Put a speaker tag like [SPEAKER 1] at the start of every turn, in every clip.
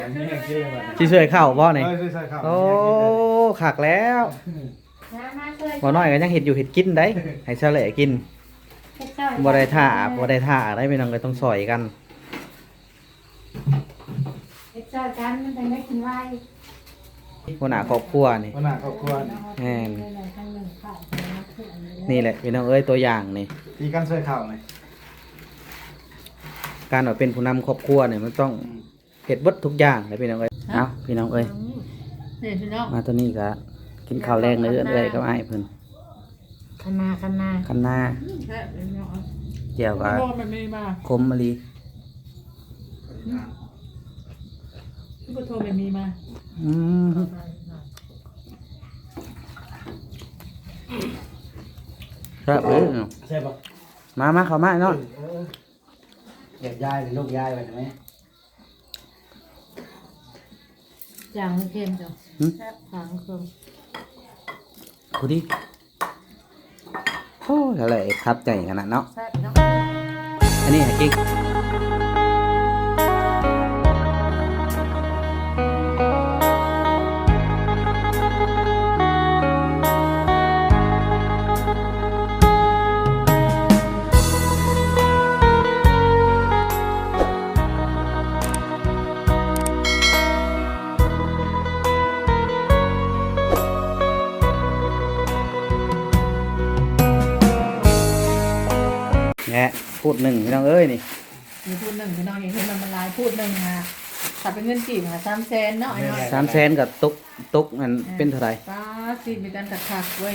[SPEAKER 1] สิช่วยเข้าบ่นี่
[SPEAKER 2] ใช่ครับ
[SPEAKER 1] โอ้คักแล้วบ่น้อยก็ยังเฮ็ดอยู่เฮ็ดกินได้ให้ซะแหละกินบ่ได้ท่าได้พี่น้องก็ต้องซอยกัน
[SPEAKER 3] เฮ็ดซอยกันมันจะได้กินไว
[SPEAKER 1] หัวหน้าครอบครัวนี่
[SPEAKER 2] วันหน้าครอบครัว
[SPEAKER 1] แม่นนี่แหละพี่น้องเอ้ยตัวอย่างนี่
[SPEAKER 2] ตีกันช่วยข่าวหน่อย
[SPEAKER 1] การว่าเป็นผู้นำครอบครัวเนี่ยมันต้องเฮ็ดเบิดทุกอย่างเลยพี่น้องเอ้ยเอ้าพี่น้องเอ้ย
[SPEAKER 3] นี่พี่น้อง
[SPEAKER 1] มาตัวนี้ก็กินข้าวแรงเลยเอ้ยกับอ้ายเพิ่น
[SPEAKER 3] คณา
[SPEAKER 1] คันหน้า
[SPEAKER 3] แซ่บเลยเนาะ
[SPEAKER 1] แจ่วก็
[SPEAKER 3] โบมันมีมา
[SPEAKER 1] คมมะลิ
[SPEAKER 3] พี่พุทโธมันมีมา
[SPEAKER 1] อืมครับเอ้ย
[SPEAKER 2] ใช่ปะ
[SPEAKER 1] มาเข้ามาเนาะ
[SPEAKER 2] เด็กยายเป็นลูกยายไปใช่ไหม
[SPEAKER 3] จางเค็มจ้ะแซ่บจางเค็ม
[SPEAKER 1] กูดิโอ้ยอะไรครับใจขนาดเนาะ
[SPEAKER 3] แซ่บเนาะ
[SPEAKER 1] อันนี้ให้กิ๊กแงะพูดหนึ่งพี่น้องเอ้ยนี่
[SPEAKER 3] มีพูดหนึ่งพี่น้องอย่างเห็นมันลายพูดหนึ่งอ่ะถ้าเป็นเงินกี่มา300,000เนาะไอ้น้อย
[SPEAKER 1] 300,000กับตุกมันเป็นเท่าไหร่
[SPEAKER 3] ป้าสิมีการขัดเว้ย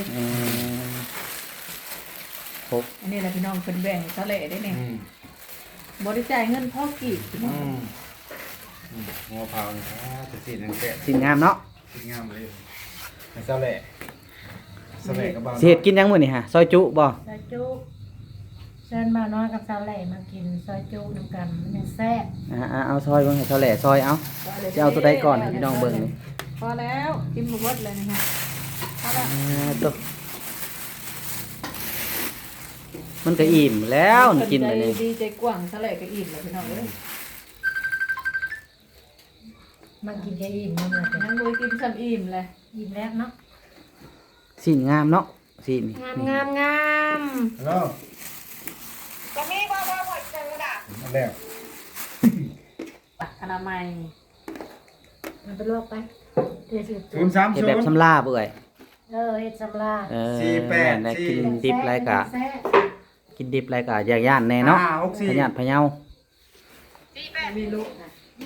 [SPEAKER 1] ครบ
[SPEAKER 3] อันนี้แหละพี่น้องเป็นแบ่งทะเลได้เนี่ยบริจาคเงินพ่อกี่พี่น้อง
[SPEAKER 2] หัวเผาเนี่ยจะสีนังแกะ
[SPEAKER 1] สินงามเนาะ
[SPEAKER 2] สีงามเลยเศร้าแหล่เศร้าแหล่กับบ้าน
[SPEAKER 1] สิเฮ็ดกินยังมื้อนี่ฮะซอยจุบ่
[SPEAKER 3] ซอยจุเชิญมาน้อยกับสาวแหล่มากินซอยจุน้ำกันมันยังแซ่บ
[SPEAKER 1] เอาซอยเบิ่งให้เท่าแหล่ซอยเอาจะเอาตัวใดก่อนให้พี่น้องเบิ่งนี่
[SPEAKER 3] พอแล้วกินหมดเลยนะฮะพอแล้ว
[SPEAKER 1] ตัวมันก็อิ่มแล้วนี่กินไปนี่
[SPEAKER 3] ดีใจกว้างสาวแหล่ก็อิ่มเลยพี่น้องเอ้ย
[SPEAKER 4] มันกินแค่อิ่มมันเลย
[SPEAKER 3] งั้นบุยกินซ้ำอิ่มเลย
[SPEAKER 4] อิ่มแล้วเนาะ
[SPEAKER 1] สินงามเนาะสิน
[SPEAKER 3] งามงามงาม
[SPEAKER 2] ฮัลโหลก็มีบ้าหมดจังด่ะแล้ว
[SPEAKER 3] ปักอนามัย
[SPEAKER 4] มันไปลวกไปเทสิ
[SPEAKER 2] 030
[SPEAKER 1] เฮ็ดแบบสำลาเบื่อย
[SPEAKER 4] เฮ็ดสำลา
[SPEAKER 1] แม่นได้กินดิบไรกะ
[SPEAKER 4] แซ่บ
[SPEAKER 1] กินดิบไรกะอยากย่านแน่เนาะพญาติพะเยา
[SPEAKER 3] มีลูกนะ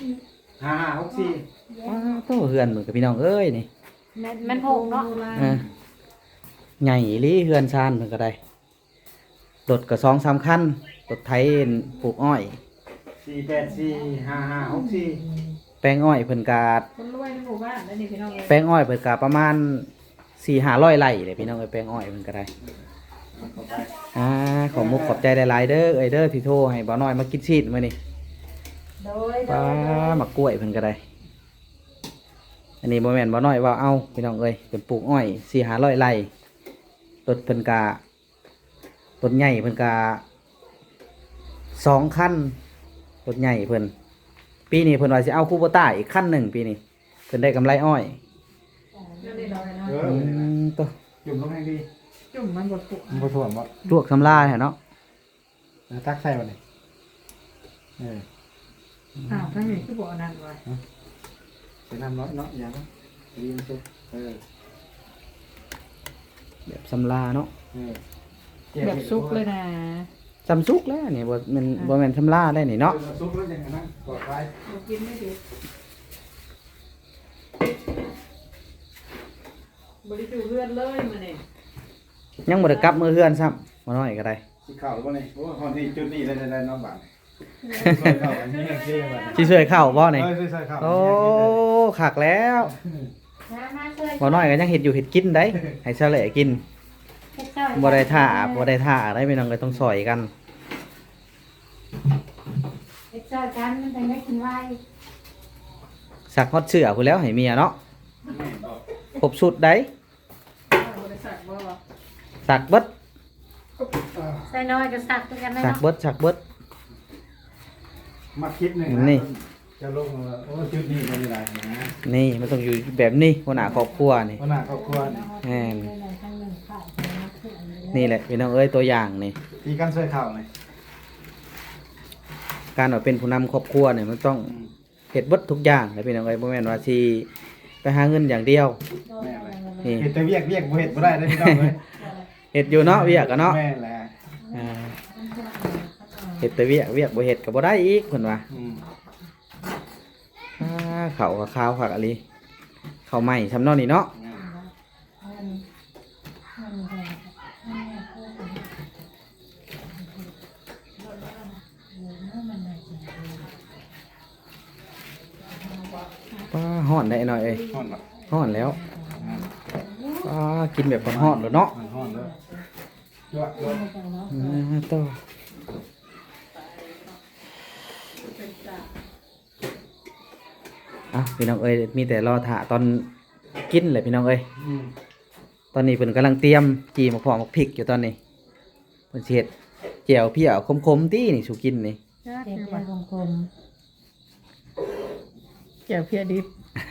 [SPEAKER 2] 5564
[SPEAKER 1] โตเฮือนเหมือนกับพี่น้องเอ้ยนี่
[SPEAKER 3] มันหกเนาะ
[SPEAKER 1] ใหญ่อีหลีเฮือนชานเพิ่นก็ได้รถก็2-3คันรถไถปลูกอ้อย
[SPEAKER 2] 4845564
[SPEAKER 1] แป้งอ้อยเพิ่นก็
[SPEAKER 3] คนรวยในหมู่บ้านแล้วนี่พี่น้องเอ้ย
[SPEAKER 1] แป้งอ้อยเพิ่นก็ประมาณ 4-500 ไร่เลยพี่น้องเอ้ยแป้งอ้อยเพิ่นก็ได้ขอมุกขอบใจหลายๆเด้อเอ้ยเด้อที่โทรให้บ่าวน้อยมากินชีสมื้อนี้
[SPEAKER 4] โดย
[SPEAKER 1] ป้ามากล้วยเพิ่นก็ได้ อันนี้บ่แม่นบ่น้อยว่าเอาพี่น้องเอ้ยเป็นปลูกอ้อย4-500 ไร่รถเพิ่นก็รถใหญ่เพิ่นก็2คันรถใหญ่เพิ่นปีนี้เพิ่นว่าสิเอาคูโบต้าอีกคันหนึ่งปีนี้เพิ่นได้กำไรอ้อย
[SPEAKER 3] เรื่องนี้เราเลยเนาะ
[SPEAKER 1] ตัว
[SPEAKER 2] จุ่มลงให้ดี
[SPEAKER 3] จุ่มมันบดปุก
[SPEAKER 2] มันบ่ถ่วงบ่
[SPEAKER 1] ลวกสำลาแท้เนาะ
[SPEAKER 2] ตักใส่บ่นี่
[SPEAKER 3] อ้าวทั้งนี้คือบ่อนั่นไว้
[SPEAKER 2] ใส่น้ำน้อยเนาะอย่าเนาะดีมันสุก
[SPEAKER 1] แบบสำลาเนาะ
[SPEAKER 3] แบบซุกเลยนะ
[SPEAKER 1] สำซุกแล้วนี่บ่แม่นบ่แม่นสำลาได้นี่เนาะ
[SPEAKER 2] ซุกแล้วยังไงนะปลอดภัย
[SPEAKER 3] เรากินไม่ดีบริจูเลือดเลยมาเนี่ย
[SPEAKER 1] ยังบ่ได้กลับมือเฮือนซ้ำบ่น้อยก็ได้
[SPEAKER 2] สิเข้าหรือบ่นี่โอ้ฮอนที่จุดนี้ได้ๆๆเนาะบาดเข้าอันนี้ยังสิบาด
[SPEAKER 1] สิช่วยเข้าบ่นี่
[SPEAKER 2] ใช่ครับ
[SPEAKER 1] โอ้คักแล้ว
[SPEAKER 4] มาช่วย
[SPEAKER 1] บ่น้อยก็ยังเฮ็ดอยู่เฮ็ดกินได้ให้ซะแหละกิน
[SPEAKER 4] เฮ็ดซอย
[SPEAKER 1] บ่ได้ท่าได้พี่น้องก็ต้องซอยกัน
[SPEAKER 4] เฮ็ดซอยกันมันจะได้กินไว
[SPEAKER 1] สักฮอดเสื้อพู้นแล้วให้เมียเนาะครบสุดได้
[SPEAKER 3] บริษัทบ่
[SPEAKER 1] สักเบิด
[SPEAKER 4] ใส่น้อยก็สักตัวกันได้
[SPEAKER 1] สัก
[SPEAKER 4] เนาะ
[SPEAKER 1] เบิด
[SPEAKER 2] มาคิดหนึ่ง
[SPEAKER 1] นี่
[SPEAKER 2] นจะลงว่าโอ้จุดนี้เป็นยังไงนะ
[SPEAKER 1] นี่มันต้องอยู่แบบนี้หัวหน้าครอบครัวนี่
[SPEAKER 2] วันหน้าครอบครัวนี่
[SPEAKER 1] แม่นนี่แหละพี่น้องเอ้ยตัวอย่างนี่
[SPEAKER 2] ที่กันใส่ข้าวนี่
[SPEAKER 1] การว่าเป็นผู้นำครอบครัวเนี่ยมันต้องเฮ็ดเบิดทุกอย่างเลยพี่น้องเอ้ยบ่แม่นว่าสิไปหาเงินอย่างเดียว
[SPEAKER 2] แม่นเลย
[SPEAKER 1] นี่
[SPEAKER 2] เฮ็ดแต่เวียกบ่เฮ็ดบ่ได้เด้อพี่น้องเอ้ย
[SPEAKER 1] เฮ็ดอยู่เนาะเวียกอะเนาะ
[SPEAKER 2] แม่นแหละ
[SPEAKER 1] อ่าเฮ็ดแต่เวียกบ่เฮ็ดก็บ่ได้อีกเพิ่นว่า
[SPEAKER 2] อืม
[SPEAKER 1] ข้าวก็ข้าวผักอะลิข้าวใหม่ทำเนอกนี่เนาะป้าฮ้อนได้หน่อยเอ้ย
[SPEAKER 2] ฮ้อนบ่
[SPEAKER 1] ฮ้อนแล้วป้ากินแบบฮ้อนๆเลยเนาะ
[SPEAKER 2] ฮ้อนเลยยั่ว
[SPEAKER 1] ต่ออ่ะพี่น้องเอ้ยมีแต่รอถ่าตอนกินเลยพี่น้องเอ้ย
[SPEAKER 2] อืม
[SPEAKER 1] ตอนนี้เพิ่นกำลังเตรียมจีมะพร้าวมะพริกอยู่ตอนนี้เพิ่นสิเฮ็ดแจ่วเพี้ยคมๆตี้นี่สุกินนี่
[SPEAKER 3] เจ็บเพียคม
[SPEAKER 4] เจียวเพียดิบ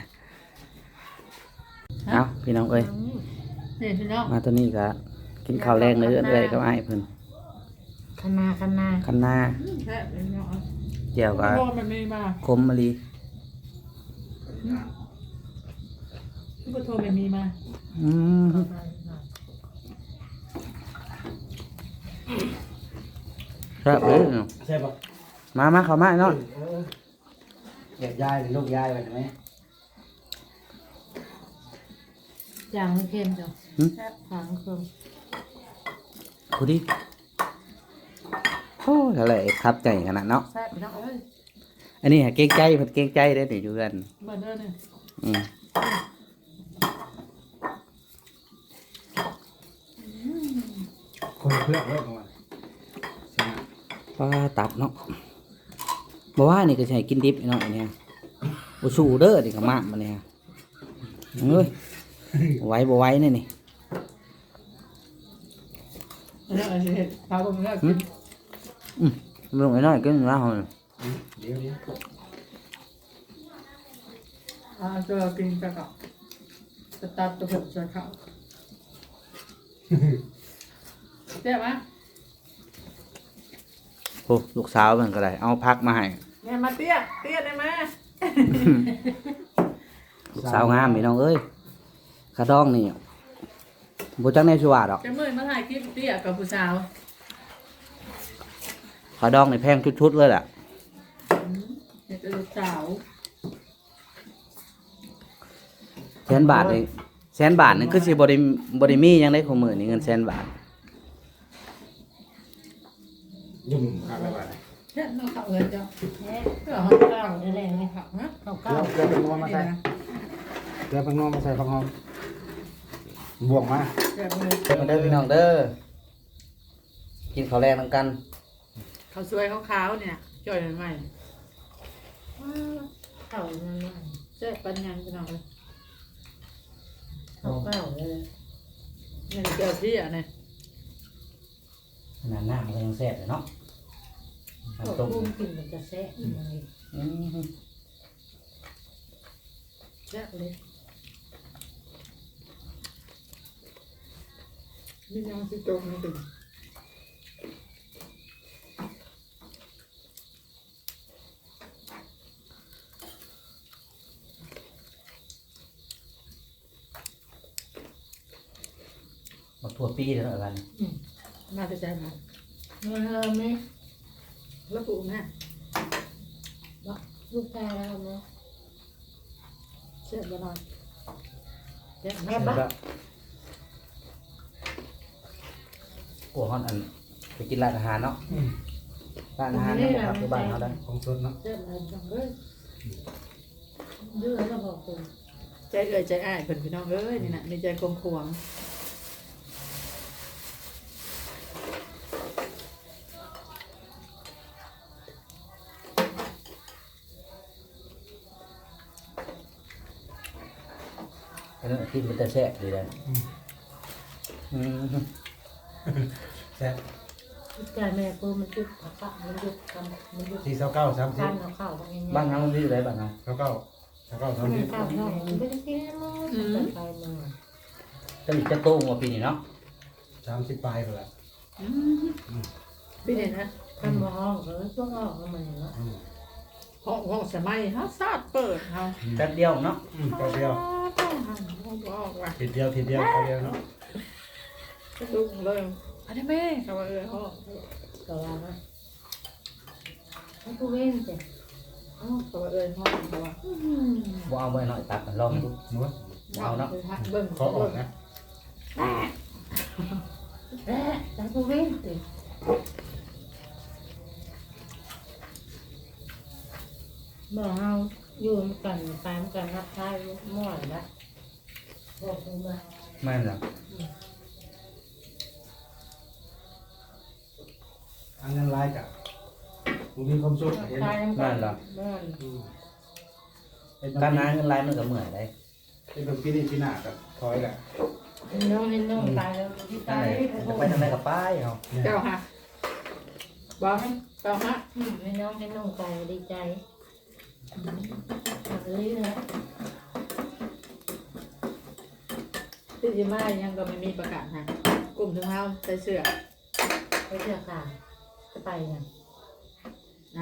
[SPEAKER 1] เอ้าพี่น้องเอ้ย
[SPEAKER 4] นี่พี่น้อง
[SPEAKER 1] มาตัวนี้ก็กินข้าวแรงเนื้อเอ้ยก็อ้ายเพิ่น
[SPEAKER 3] คณา
[SPEAKER 1] คันหน้า
[SPEAKER 4] แค่พี่น้อง
[SPEAKER 1] แจ่วก็
[SPEAKER 4] โทษมันมีมา
[SPEAKER 1] คมมะลิ
[SPEAKER 4] พี่โทษมันมีมา
[SPEAKER 1] อืมครับเอ้ย
[SPEAKER 2] ใช่ป่ะ
[SPEAKER 1] มาเข้ามาเนาะ
[SPEAKER 2] เด็กยายหรือลูกยายไปใช่ไหม
[SPEAKER 3] จางเค็มจ้ะจางเค็ม
[SPEAKER 1] พูดดิโอ้ยอะไรครับใจขนาดเนาะ
[SPEAKER 4] แซ่บพี่น้องเอ้ย
[SPEAKER 1] อันนี้หาเกรงใจเพิ่นเกรงใจได้อนี่อยู่กัน
[SPEAKER 4] เบิร์เดอร์เนี่ย
[SPEAKER 1] อืม
[SPEAKER 2] คนเพื่อนเลิกมาใช่ไหม
[SPEAKER 1] ปลาตับเนาะบ่ว่านี่ก็สิให้กินดิบเนาะอันเนี้ยบ่สู้เด้อนี่ก็มากมาเนี่ยเอ้ยบ่ไหว้นี่นี่
[SPEAKER 4] แล้วอะไรเห็ดพาผมแล้วกิน
[SPEAKER 1] ลงไอ้น้อยกินว่าเฮา
[SPEAKER 2] เดี๋ยว
[SPEAKER 4] ตัวกินกระกับจะตัดตัวผมจะเข้าเจ็บไหม
[SPEAKER 1] โอ้ลูกสาวมันก็ได้เอาพักมาให้
[SPEAKER 4] แม่มาเตี้ยได้ไหม
[SPEAKER 1] ลูกสาวงามพี่น้องเอ้ยขาดองนี่บ่จักแน่สิว่าดอก
[SPEAKER 4] จะมือมาถ่ายคลิปเตี้ยกับผู้สาว
[SPEAKER 1] ขาดองนี่แพงชุดๆเลยแหละ
[SPEAKER 4] เห็ดลูกสาว
[SPEAKER 1] แสนบาทนี่แสนบาทนี่คือสิบ่ได้มีหยังได้ของมื้อนี่เงินแสนบาท
[SPEAKER 2] ยุ่งข้าวไปบ้าน
[SPEAKER 4] เห็ดน้องเขาเลยจ้ะ
[SPEAKER 3] แค่
[SPEAKER 4] เพื่อเขาเล่า
[SPEAKER 3] อะไรไง
[SPEAKER 4] เขาฮะ
[SPEAKER 3] เขา
[SPEAKER 2] เก
[SPEAKER 3] เก้า
[SPEAKER 2] ลือเป็นนัวมาใส่เกลือเป็นนัวมาใส่ผักหอมบวกมา
[SPEAKER 4] เจ็บเลย
[SPEAKER 1] เด้อพี่น้องเด้อกินข้าวแรงนำกัน
[SPEAKER 4] เขาสวยขาวๆเนี่ยจ่อยใหม่
[SPEAKER 3] เก้านั่นว่า
[SPEAKER 4] เจ็บปัญญาพี่น้องเลย
[SPEAKER 3] เขาเก้าเลย
[SPEAKER 4] เนี่ยเจอพี่อ่ะเนี่ย
[SPEAKER 1] ขนาดน้ำมันก็ยังแซ่บเลยเนาะ
[SPEAKER 3] เขา
[SPEAKER 1] น้ำต้ม
[SPEAKER 3] พุ่มกินมันจะแซ่บยังไง
[SPEAKER 1] อืม
[SPEAKER 4] เจ็บเลยนี่ยังสิโตไม่ถึง
[SPEAKER 1] บักทั่วปีเด้อกัน
[SPEAKER 4] มาจะใจมัน
[SPEAKER 3] เงินเราไหม
[SPEAKER 4] แล้วปู่แม่
[SPEAKER 3] ลูกชายเราไหม
[SPEAKER 4] เจ็บบ่นอนเจ็บ
[SPEAKER 3] แม่
[SPEAKER 4] แม่
[SPEAKER 3] บ้า
[SPEAKER 1] กลัวฮ้อนอันไปกินร้านอาหารเนาะร้านอาหารเนาะครับที่บ้านเฮาได้
[SPEAKER 2] ของสดเนาะ
[SPEAKER 3] เจ็บอะไรจังเลยดื้อแล้วบอกคุณ
[SPEAKER 4] ใจเอ่ยใจอ้ายเพิ่นพี่น้องเอ้ยนี่นะมีใจกลมขวาง
[SPEAKER 1] อันนั้นกินมันจะแซ่บดีเลยอืม
[SPEAKER 2] แซ่บ
[SPEAKER 3] กายแม่กูมันจุดผักกะมันจุดกันมันจุด
[SPEAKER 2] 429 30
[SPEAKER 3] การเอาข้าวตรงนี้
[SPEAKER 1] บ้านเฮามันอยู่ไหนบ้านเฮา
[SPEAKER 2] 29
[SPEAKER 3] มัน
[SPEAKER 2] 30
[SPEAKER 3] ข้าวน้องมันไม่ได้กินแล้วไปมา
[SPEAKER 1] จะโตกว่าปีนี้เนาะ
[SPEAKER 2] 30ปลายพุ่นล่ะ
[SPEAKER 4] พี่เห็นนะ
[SPEAKER 3] ทำมาห้องก็ต้องออกมาเนาะ
[SPEAKER 4] ห้องสมัยฮะซาดเปิดเฮา
[SPEAKER 1] แป๊บเดียวเนาะ
[SPEAKER 2] แป๊บเดียว
[SPEAKER 4] ห้องบอกว่า
[SPEAKER 2] ทีเดียวแป๊บเดียวเนาะ
[SPEAKER 4] ลุกเลยอันนี้แม่เขาว่าห้อง
[SPEAKER 3] ก็ว่านะให้กูเว้นแต่
[SPEAKER 4] เขาว่าห้องเขาว่า
[SPEAKER 1] บ่เอาไว้หน่อยตักกันลองดู
[SPEAKER 2] หนู
[SPEAKER 1] เอาเนาะ
[SPEAKER 4] เบิ่ง
[SPEAKER 2] ขอออกนะ
[SPEAKER 3] แต่กูเว้นแต่บ่เฮาอยู่กันตามกันรับท้ายม่วนละบอกกูมา
[SPEAKER 1] แม่นล่ะ
[SPEAKER 2] อันนั้นลายกะบ่มีความสุขเห็น
[SPEAKER 3] ตายกันม่วน
[SPEAKER 1] การหาเงินรายมันก็เมื่อยได้
[SPEAKER 2] เป็นแบบปีนี้ปีหน้าก็ถอยแหละ
[SPEAKER 3] น้องตายแล้วที่
[SPEAKER 1] ทาง
[SPEAKER 3] ตาย
[SPEAKER 1] ไหนจะไปทางไหนก็ไปเฮา
[SPEAKER 4] เจ้าฮะบอกเจ้าฮะ
[SPEAKER 3] ให้น้องตายดีใจเลยนะ
[SPEAKER 4] ที่สิมายังก็ไม่มีประกาศฮะกลุ่มถึงเฮาใส่เสื้อ
[SPEAKER 3] ไปเชื่อค่ะจะไปเนี่ย
[SPEAKER 4] เอา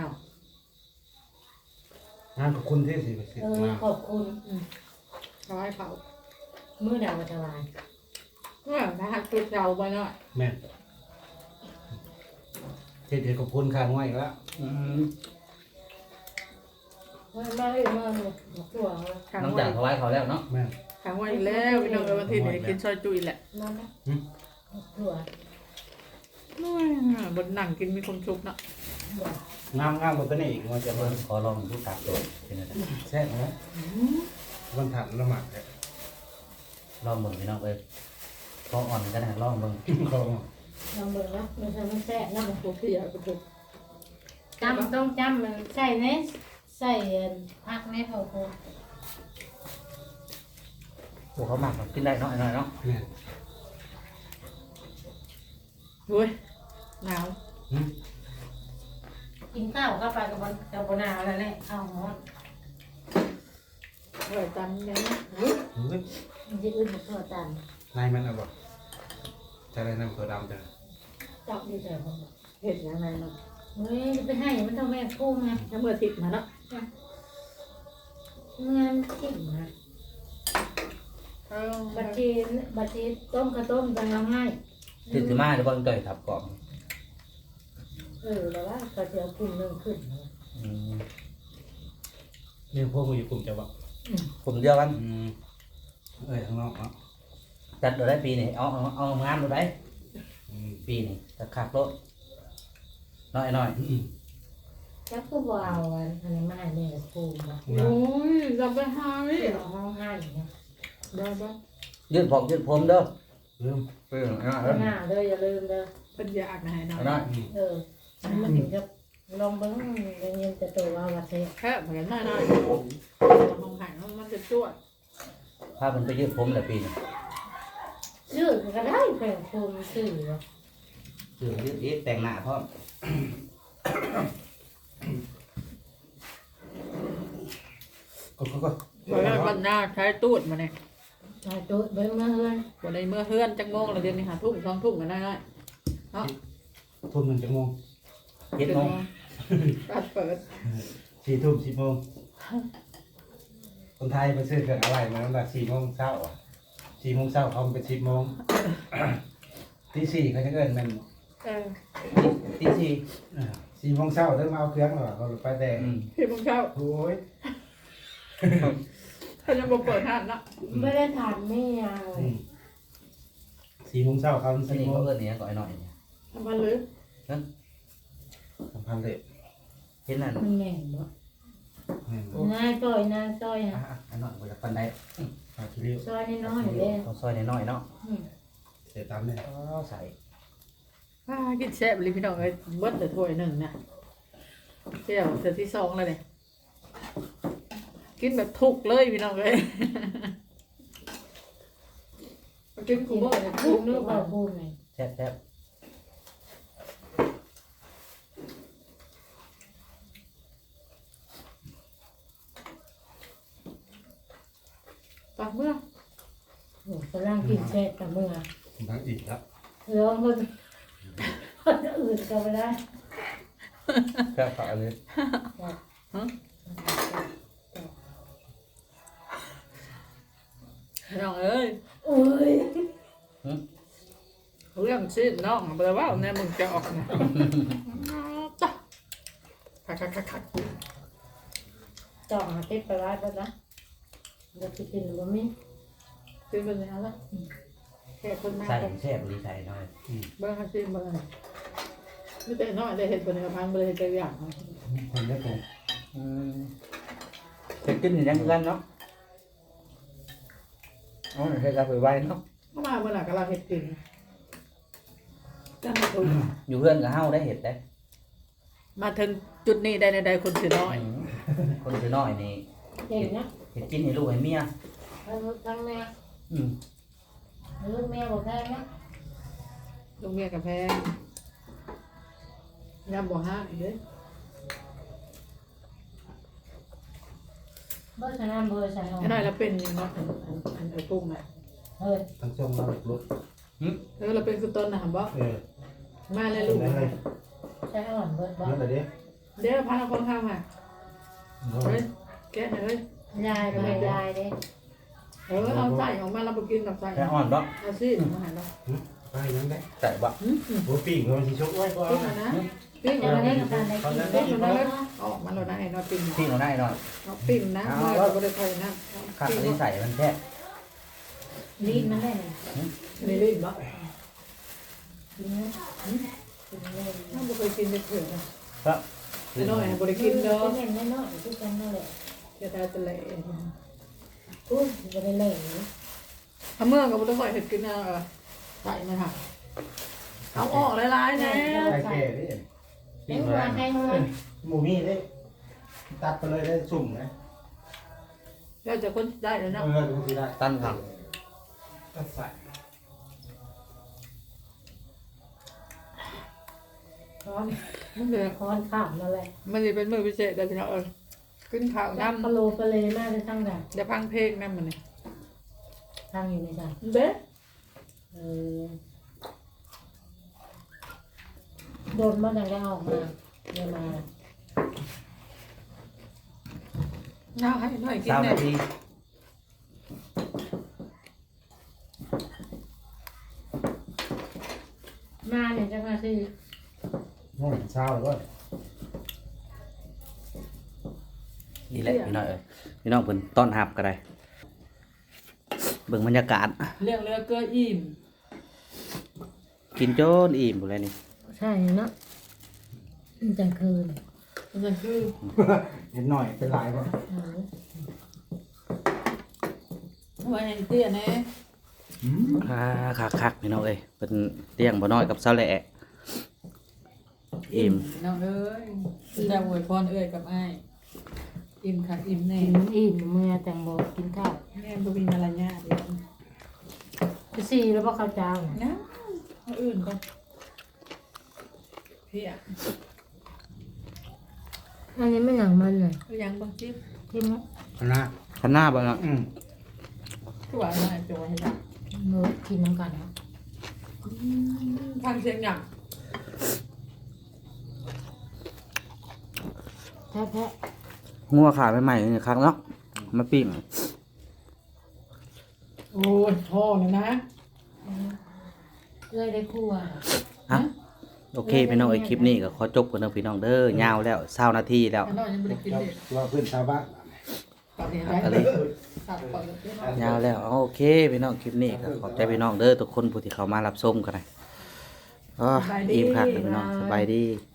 [SPEAKER 2] งานขอบคุณที่สิ มา
[SPEAKER 3] ขอบคุณ
[SPEAKER 4] เขาให้เผา
[SPEAKER 3] มื้อดาวจะวาย
[SPEAKER 4] เนี่ยถ้าหักตุดเราไปหน่อย
[SPEAKER 2] แม่นเฮ็ดขอบคุณข้างไว้อีกแล้ว
[SPEAKER 3] มาเลยมาเลยตัว
[SPEAKER 4] ขัง
[SPEAKER 1] น้ำ
[SPEAKER 4] ไว้
[SPEAKER 1] จากถวายเขาแล้วเนาะ
[SPEAKER 2] แม่น
[SPEAKER 4] ขังไว้แล้วพี่น้องวันที่นี้กินซอยจุยแหละ
[SPEAKER 3] มาไหมตัว
[SPEAKER 4] บนหนังกินมีความสุขเนาะ
[SPEAKER 2] งามบ่ตัวนี้อีกว่าจะ
[SPEAKER 1] เบิ่
[SPEAKER 2] เบิ่
[SPEAKER 1] ง
[SPEAKER 2] ง
[SPEAKER 1] ขอลองดูตักโดดเป็นจังได๋
[SPEAKER 2] แซ่บนะวันถัดละหมาดแท้
[SPEAKER 1] ลองเบิ่งพี่น้องเอ้ยพออ่อนกันนะลองเบิ่ง
[SPEAKER 2] ของ
[SPEAKER 3] ลองเบิ่งนะมันจะมันแซ่บนะ
[SPEAKER 4] ตัวพี่อะตัว
[SPEAKER 3] จำต้องจำมันใส่เนสใส่ผักในเผาโค
[SPEAKER 1] โอ้เขาหมักกินได้เนาะหน่อยเนาะ
[SPEAKER 2] แม่น
[SPEAKER 4] เฮ้ยหนาว
[SPEAKER 3] กินข้าวเข้าไปกับบนาวแล้วแหละข้าวหอม
[SPEAKER 4] อร่อยจังเลยนะ
[SPEAKER 2] เฮ้ย
[SPEAKER 3] มันจะอื่นกับตัวตัน
[SPEAKER 2] นายมันเอาบ่จะได้นำตัวดำจ้ะ
[SPEAKER 3] จับดีแต่ผม
[SPEAKER 4] เห็ดยังไงเนาะ
[SPEAKER 3] เฮ้ยไปให้มันต้องแม่กุ้งไง
[SPEAKER 4] ถ้าเมื่อทิพย์มาเนาะ
[SPEAKER 3] งานกินนะบัดทีต้มกระต้มจังละง่าย
[SPEAKER 1] ตื่นขึ้นมาเดี๋ยวบ่ต่อยทับกล่อง
[SPEAKER 3] แล้วว่าเขาจะเอากุ้งเรื่องขึ้น
[SPEAKER 2] นี่พวกมึงอยู่กลุ่มจะบ่
[SPEAKER 1] ผมเดียวกัน
[SPEAKER 2] ข้างนอกเนาะ
[SPEAKER 1] จัดได้ปีนี้เอางานได้ปีนี้จะขาดรถน้อย
[SPEAKER 3] จักก็วาวอันนี้มาให้แม่กุ้งนะ
[SPEAKER 4] โอ้ยจะไปหาวิ
[SPEAKER 3] ห้องให้เนี่ย
[SPEAKER 4] ได้ปะ
[SPEAKER 1] ยืดผมยืดผมเด้อ
[SPEAKER 2] ลืม
[SPEAKER 3] หน้าเด้ออย่าลืมเด้อ
[SPEAKER 4] เป็นยากนะให้เนาะ
[SPEAKER 1] น้อย
[SPEAKER 3] มันถึงจะลองเบิ้งเย็นจะตัวว่าวัดเท
[SPEAKER 4] แค่เหมือนหน้าห้องหายมันจะจวด
[SPEAKER 1] พามันไปยืดผมแหละปีนี้
[SPEAKER 3] ซื้อก็ได้แผ่นโคมซื้อวะ
[SPEAKER 1] ยืดอีกแต่งหน้าพร้อม
[SPEAKER 2] ก็
[SPEAKER 4] เพราะว่าบรรณาใช้ตูดมาเนี่ย
[SPEAKER 3] ใช่ตัวเบิ้งมาเฮือน
[SPEAKER 4] วันในเมื่อเฮือนจังงงเราเดือนนี้หาทุ่มสองทุ่มกันได้เนาะ
[SPEAKER 2] ทุ่ม1ชั่วโมง
[SPEAKER 1] 7 โมง
[SPEAKER 4] เปิด
[SPEAKER 2] 4 ทุ่ม 10 โมงคนไทยไปซื้อเครื่องอะไรมาตั้งแต่4 โมงเช้าอ่ะ4 โมงเช้าเขาเป็น10 โมงตี4เขาจะเอิ้นมัน
[SPEAKER 1] ตีสี่
[SPEAKER 2] 4 โมงเช้าเริ่มเอาเครื่องแล้วเขาไปแต่
[SPEAKER 4] พี่มึงเข้า
[SPEAKER 2] โอ้ย
[SPEAKER 4] เขาจะมาเปิดห้านเนาะ
[SPEAKER 3] ไม่ได้ทานไม่ยัง
[SPEAKER 2] 4 โมงเช้าเขา
[SPEAKER 1] อัน
[SPEAKER 2] 10
[SPEAKER 1] นี้
[SPEAKER 2] โม
[SPEAKER 1] เขา
[SPEAKER 2] ง
[SPEAKER 1] เอิ้นเนี่ยก่อยหน่อย
[SPEAKER 4] ทำมาเลย
[SPEAKER 2] สัมพันธ์เลย
[SPEAKER 1] เห็นนั่น
[SPEAKER 3] มันแม่งบ่นายต้อยนายต้อยฮะ
[SPEAKER 1] อันนั้นบ่อยากปันได้
[SPEAKER 2] ปลาคิริว
[SPEAKER 3] ซอยน้อยๆเลย
[SPEAKER 1] ต้องซอยน้อยๆเนาะ
[SPEAKER 2] เสียตามเนี่ย
[SPEAKER 1] ใส่
[SPEAKER 4] กินแซ่บเลยพี่น้องเอ้ยเบิ้ลแต่ถ้วยหนึ่งนะเที่ยวเที่ยวที่สองแล้วเนี่ยกินแบบทุกเลยพี่น้องเอ้ยกินกู
[SPEAKER 3] กิน
[SPEAKER 4] บ่
[SPEAKER 3] แบบ
[SPEAKER 4] เนี่ย
[SPEAKER 3] กุ้
[SPEAKER 4] ทุ
[SPEAKER 3] ง
[SPEAKER 4] ก
[SPEAKER 3] นึ
[SPEAKER 4] เนื้
[SPEAKER 3] ก
[SPEAKER 4] อ
[SPEAKER 3] ว่ากุ้งไง
[SPEAKER 1] แซ่บ
[SPEAKER 4] ปากเมื่อ
[SPEAKER 3] โอ้กำลังกินแซ่บแต่เมื่อ
[SPEAKER 2] ทั้งอีกครับ
[SPEAKER 3] ร้องคนคนอื่นก็ไม่ได้
[SPEAKER 2] แค่ฝาเลย
[SPEAKER 4] น้องเอ้ย
[SPEAKER 3] โอ้ย
[SPEAKER 4] เรื่องชีพน้องแปลว่าเนี่ยมึงจะออกนะจ้ะคัก
[SPEAKER 3] จ่องหาเก็บไปไว้ก็นะเดี๋ยวจะกินบะหมี่
[SPEAKER 4] กินไปเลยนะแค่คนมาก
[SPEAKER 1] ใส่แซ่บหรือใส่น้อย
[SPEAKER 4] เบิ้งชิมเบิ้งไม่แต่น้อยได้เห็นคนในกระพังเลยใจอย่าง
[SPEAKER 2] คนได้ผม
[SPEAKER 1] จะกินอย่างนั้นเนาะอ๋อเฮ็ดไปไว้เนาะ
[SPEAKER 4] ก็มาเมื่อไหร่ก็เราเห็ดกินจังถูก
[SPEAKER 1] อยู่เพื่อนกับเฮาได้เห็ดได้
[SPEAKER 4] มาถึงจุดนี้ได้ในใดคนถือน้อย
[SPEAKER 1] คนคือน้อยนี่
[SPEAKER 3] เก่งนะ
[SPEAKER 1] เห็ดกินให้ลูกให้เมีย
[SPEAKER 3] ทั้งแม่
[SPEAKER 1] อืม
[SPEAKER 3] ลูกแม่บอกได้นะ
[SPEAKER 4] ลูกเมียกับแพงยำบ่ห้าเด้อ
[SPEAKER 3] เบอร์ชนะเบอร์ชนะ
[SPEAKER 4] ไอ้น้อยเราเป็นยังเนาะอันไอ้กุ้งน่ะ
[SPEAKER 3] เฮ้ย
[SPEAKER 2] ทั้งช่วงมาหลุดรถ
[SPEAKER 4] เราเป็นคือต้นนะบ่ มาเลยลูก
[SPEAKER 2] ได้เลย
[SPEAKER 3] ใช้อ่อนเบิร์ดบอ
[SPEAKER 2] นั่นแหละดิ
[SPEAKER 4] เดี๋ยวพาเราคนข้ามมาเฮ้ยแกะหน่อยเฮ้ย
[SPEAKER 3] ยายไปยายเด้
[SPEAKER 4] เอาใส่ออกมาเราไปกินกับใส่
[SPEAKER 1] แค่อ่อนบ่
[SPEAKER 4] เอาสิมาหาเรา
[SPEAKER 2] ไปนั่นได้
[SPEAKER 1] ใส่บ่
[SPEAKER 2] โอ้ปีกมันสิชกไว้ก่อน
[SPEAKER 4] ปิ้งมานะปิ้ง
[SPEAKER 3] ยั
[SPEAKER 4] มาง
[SPEAKER 3] ไม่
[SPEAKER 4] นะ
[SPEAKER 3] ได้การได้กิน
[SPEAKER 4] ปิ้งมานะออกมาเราได้เราปิ้ง
[SPEAKER 1] พี่เอาได้หน่อย
[SPEAKER 4] เราปิ้งนะเราไม่ได้ใส่นะ
[SPEAKER 1] ข้าวที่ใส่มันแค่
[SPEAKER 3] รีดมันได้เลย
[SPEAKER 4] นี่ลิ้นบ่
[SPEAKER 3] กินนะกินเลย
[SPEAKER 4] ถ้าไม่เคยกินจะเถื่อนนะครับ ไอ้น้อยบริกินเด้อ
[SPEAKER 3] เห็นแน่นอนทุกคนนั่นแหละ
[SPEAKER 4] จะได้จะเละ
[SPEAKER 3] อุ้ยจะได้เล่นนะ
[SPEAKER 4] ถ้าเมื่อกับบริษัทเห็ดกินนะใส่มาค่ะเอาออกหลายๆนะ
[SPEAKER 2] ไข่แก่ดิ
[SPEAKER 3] ไอ้หัวไอ้หัว
[SPEAKER 2] หมูมี่ได้ตัดไปเลยได้สุ่มนะ
[SPEAKER 4] เราจะคนได้แล้วนะ
[SPEAKER 2] ดูสิได้
[SPEAKER 1] ตั้นครับ
[SPEAKER 2] ตัดใส่
[SPEAKER 3] ค้อน
[SPEAKER 4] มันเลย
[SPEAKER 3] ค้อนข้ามมาเลย
[SPEAKER 4] มันจะเป็นมือพิเศษแต่พี่น้องขึ้นข่าว
[SPEAKER 3] น้ำ
[SPEAKER 4] น้ำ
[SPEAKER 3] ปลาโลปลาเลมากเลยทั้งแบบ
[SPEAKER 4] จะพังเพลงน้ำมันนี่
[SPEAKER 3] ทางอยู่ในใจ
[SPEAKER 4] เด้
[SPEAKER 3] โดนมันยังได้ออกมาเดี๋ยวมา
[SPEAKER 4] น้าให้หน่อยกิน
[SPEAKER 1] 3
[SPEAKER 4] เนี่
[SPEAKER 1] นาย ที
[SPEAKER 3] มาเนี่ยจะมาสิ
[SPEAKER 2] โอ้ยเช้าเลยว่า
[SPEAKER 1] นี่แหละพี่น้อยเอ้ยพี่น้องเพิ่นต้อนรับก็ได้เบิ่งบรรยากาศ
[SPEAKER 4] เรื่องเรือเกลืออิ่ม
[SPEAKER 1] กินจนอิ่มหมดเลยนี่
[SPEAKER 3] ใช่เนาะจังคืน
[SPEAKER 4] มันคือ
[SPEAKER 2] เห็นหน่อยเป็นลายป่ะ
[SPEAKER 4] ไว้ให้เตี้ยนะ
[SPEAKER 1] คักๆพี่น้องเอ้ยเป็นเตียงบ่น้อยกับเสาแหละอิ่ม
[SPEAKER 4] น้องเอ้ยจะอวยพรเอ้ยกับไอ้อิ่มค่ะอิ่มแน่
[SPEAKER 3] อิ่มเมื่อแตงโมกินข้าว
[SPEAKER 4] แม่บุมีมารยาทเดียว
[SPEAKER 3] จะซีแล้วพ่อข้าวเจ้า
[SPEAKER 4] นะเอาอื่นก่อนพี่อ่ะ
[SPEAKER 3] อันนี้ไม่หนังมันเลย
[SPEAKER 4] เอายังบางจิ๊บ
[SPEAKER 3] กินไหม
[SPEAKER 2] คณะ
[SPEAKER 1] ข้างหน้าบ่เนาะ
[SPEAKER 4] คือว่าหน่อยจอยให้ได้
[SPEAKER 3] เมื่อกินน้ำกันนะ
[SPEAKER 4] ฟังเสียงหยัง
[SPEAKER 3] แท้แท้
[SPEAKER 1] งัวขาใหม่ๆนี่ครั้งเนาะมาปิ้ง
[SPEAKER 4] โอ้ยพ่อเลยนะ
[SPEAKER 3] เลยได้คู่อ่ะ
[SPEAKER 1] ฮะโอเคพี่น้องเอ้ยคลิปนี้ก็ขอจบกันเด้อพี่น้องเด้อยาวแล้ว20 นาทีแล้ว
[SPEAKER 4] ไอ้น้อยยังไม่ได้กินเลย
[SPEAKER 2] ว่าเพื่อนชาวบ้าน
[SPEAKER 4] ตอนนี้
[SPEAKER 1] อะไร
[SPEAKER 4] ตัดก่อนเลย
[SPEAKER 1] ยาวแล้วเอาโอเคพี่น้องคลิปนี้ก็ขอบใจพี่น้องเด้อทุกคนผู้ที่เข้ามารับชมกันนะอ๋ออิ่มคักเลยพี่น้องสบายดี